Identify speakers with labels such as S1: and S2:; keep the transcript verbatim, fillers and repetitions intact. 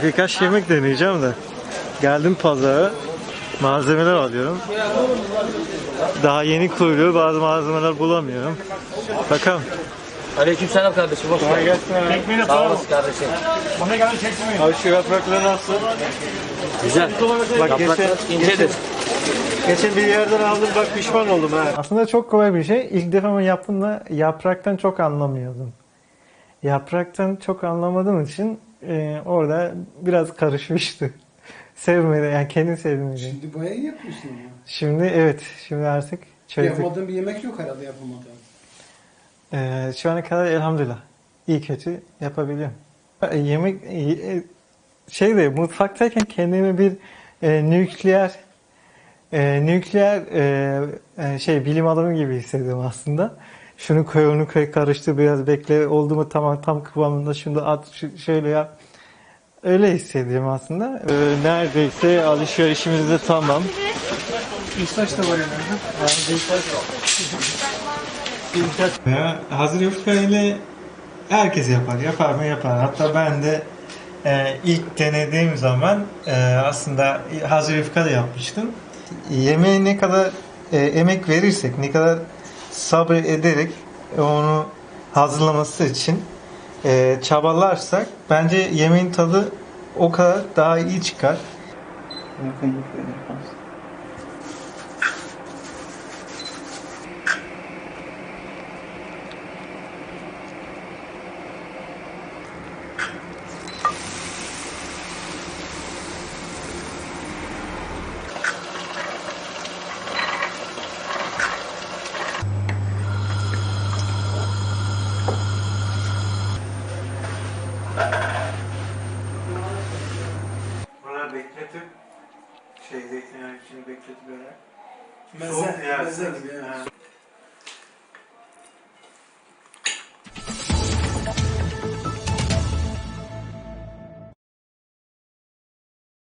S1: birkaç yemek deneyeceğim de. Geldim pazara. Malzemeler alıyorum. Daha yeni kuruluyor. Bazı malzemeler bulamıyorum. Bakalım.
S2: Aleykümselam kardeşim. Hoş geldin. Sağ olasın kardeşim.
S1: Abi şu yaprakları nasıl?
S2: Güzel.
S1: Bak geçen,
S2: incedir.
S1: geçen bir yerden aldım, bak pişman oldum ha.
S3: Aslında çok kolay bir şey. İlk defa yaptığımda yapraktan çok anlamıyordum. Yapraktan çok anlamadığım için e, orada biraz karışmıştı. Sevmedi, yani kendi sevmedi.
S4: Şimdi bayağı iyi yapıyorsun ya.
S3: Şimdi evet, şimdi artık çözdük.
S4: Yapmadığın bir yemek yok herhalde yapamadığın.
S3: E, şu ana kadar elhamdülillah iyi kötü yapabiliyorum. E, yemek e, şey de mutfaktayken kendimi bir e, nükleer e, nükleer e, e, şey bilim adamı gibi hissediyorum aslında. Şunu koy, onu koy, karıştır, biraz bekle, oldu mu tamam, tam kıvamında, şunu da at, ş- şöyle yap. Öyle hissediyorum aslında.
S1: Ee, neredeyse alışverişimiz de tamam.
S4: İstaç da var yani.
S3: Ya, hazır yufka ile herkes yapar. Yapar mı yapar. Hatta ben de e, ilk denediğim zaman e, aslında hazır yufka da yapmıştım. Yemeğe ne kadar e, emek verirsek, ne kadar sabır ederek onu hazırlaması için e, çabalarsak bence yemeğin tadı o kadar daha iyi çıkar. Bunları bekletip şey zeytinyağı içini bekletip böyle
S4: Meze, meze gibi yani.